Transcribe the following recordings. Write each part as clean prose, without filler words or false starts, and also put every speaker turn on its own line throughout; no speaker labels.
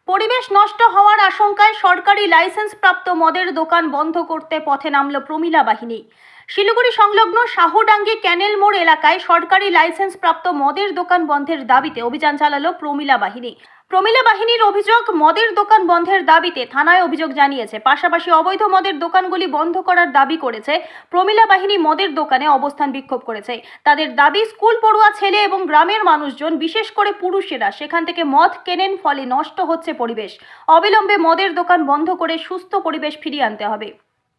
পরিবেশ নষ্ট হওয়ার আশঙ্কায় সরকারি লাইসেন্স প্রাপ্ত মদের দোকান বন্ধ করতে পথে নামল প্রমিলা বাহিনী। শিলিগুড়ি সংলগ্ন শাহডাঙ্গি ক্যানেল মোড় এলাকায় সরকারি লাইসেন্স প্রাপ্ত মদের দোকান বন্ধের দাবিতে অভিযান চালালো প্রমিলা বাহিনী। প্রমিলা বাহিনীর অভিযোগ, মদের দোকান বন্ধের দাবিতে থানায় অভিযোগ জানিয়েছে। পাশাপাশি অবৈধ মদের দোকানগুলি বন্ধ করার দাবি করেছে। প্রমিলা বাহিনী মদের দোকানে অবস্থান বিক্ষোভ করেছে। তাদের দাবি, স্কুল পড়ুয়া ছেলে এবং গ্রামের মানুষজন, বিশেষ করে পুরুষেরা সেখান থেকে মদ কেনেন, ফলে নষ্ট হচ্ছে পরিবেশ। অবিলম্বে মদের দোকান বন্ধ করে সুস্থ পরিবেশ ফিরিয়ে আনতে হবে।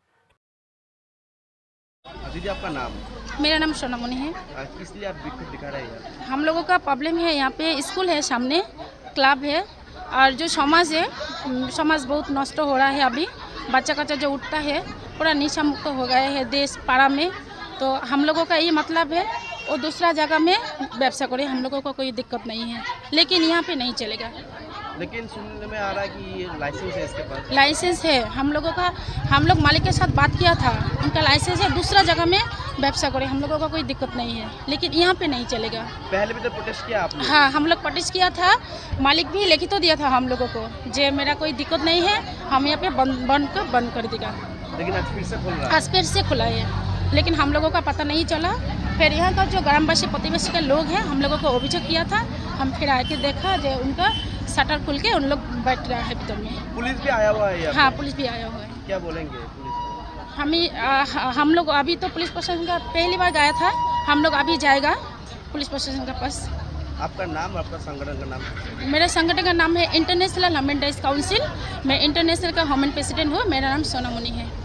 दीदी, आपका नाम?
मेरा नाम सोनामणि है।
किस लिए आप विक्षोभ दिखा रहे हैं?
हम लोगों का प्रॉब्लम है, यहाँ पे स्कूल है, सामने क्लब है, और जो समाज है, समाज बहुत नष्ट हो रहा है। अभी बच्चा कच्चा जो उठता है पूरा नशा मुक्त हो गया है देश पाड़ा में। तो हम लोगों का ये मतलब है वो दूसरा जगह में व्यवसाय करे, हम लोगों को कोई दिक्कत नहीं है, लेकिन यहाँ पे नहीं चलेगा।
लेकिन सुनने में आ रहा है कि ये लाइसेंस है इसके पास।
लाइसेंस है हम लोगों का, हम लोग मालिक के साथ बात किया था, उनका लाइसेंस है, दूसरा जगह में व्यवसाय करे, हम लोगों का कोई दिक्कत नहीं है, लेकिन यहाँ पे नहीं चलेगा।
पहले भी तो प्रोटेस्ट किया आपने?
हाँ, हम लोग प्रोटेस्ट किया था, मालिक भी लिखित तो दिया था हम लोगों को, जे मेरा कोई दिक्कत नहीं है, हम यहाँ पे बंद कर देगा।
लेकिन आज फिर से खुल रहा है।
आज फिर से खुला है, लेकिन हम लोगों का पता नहीं चला। फिर यहाँ का जो ग्रामवासी प्रतिवेशी के लोग हैं, हम लोगों को अभियोग किया था, हम फिर आके देखा जो उनका शटर खुल के उन लोग बैठ रहा है भीतर में।
पुलिस भी आया हुआ है यहाँ पे?
हाँ, पुलिस भी आया हुआ है।
क्या बोलेंगे पुलिस को?
हम लोग अभी तो पुलिस प्रशासन का पहली बार गया था, हम लोग अभी जाएगा पुलिस प्रशासन का पास।
आपका नाम, आपका संगठन का नाम?
मेरा संगठन का नाम है इंटरनेशनल ह्यूमन राइट्स काउंसिल। मैं इंटरनेशनल का ह्यूमन प्रेसिडेंट हूँ। मेरा नाम सोनामणि है।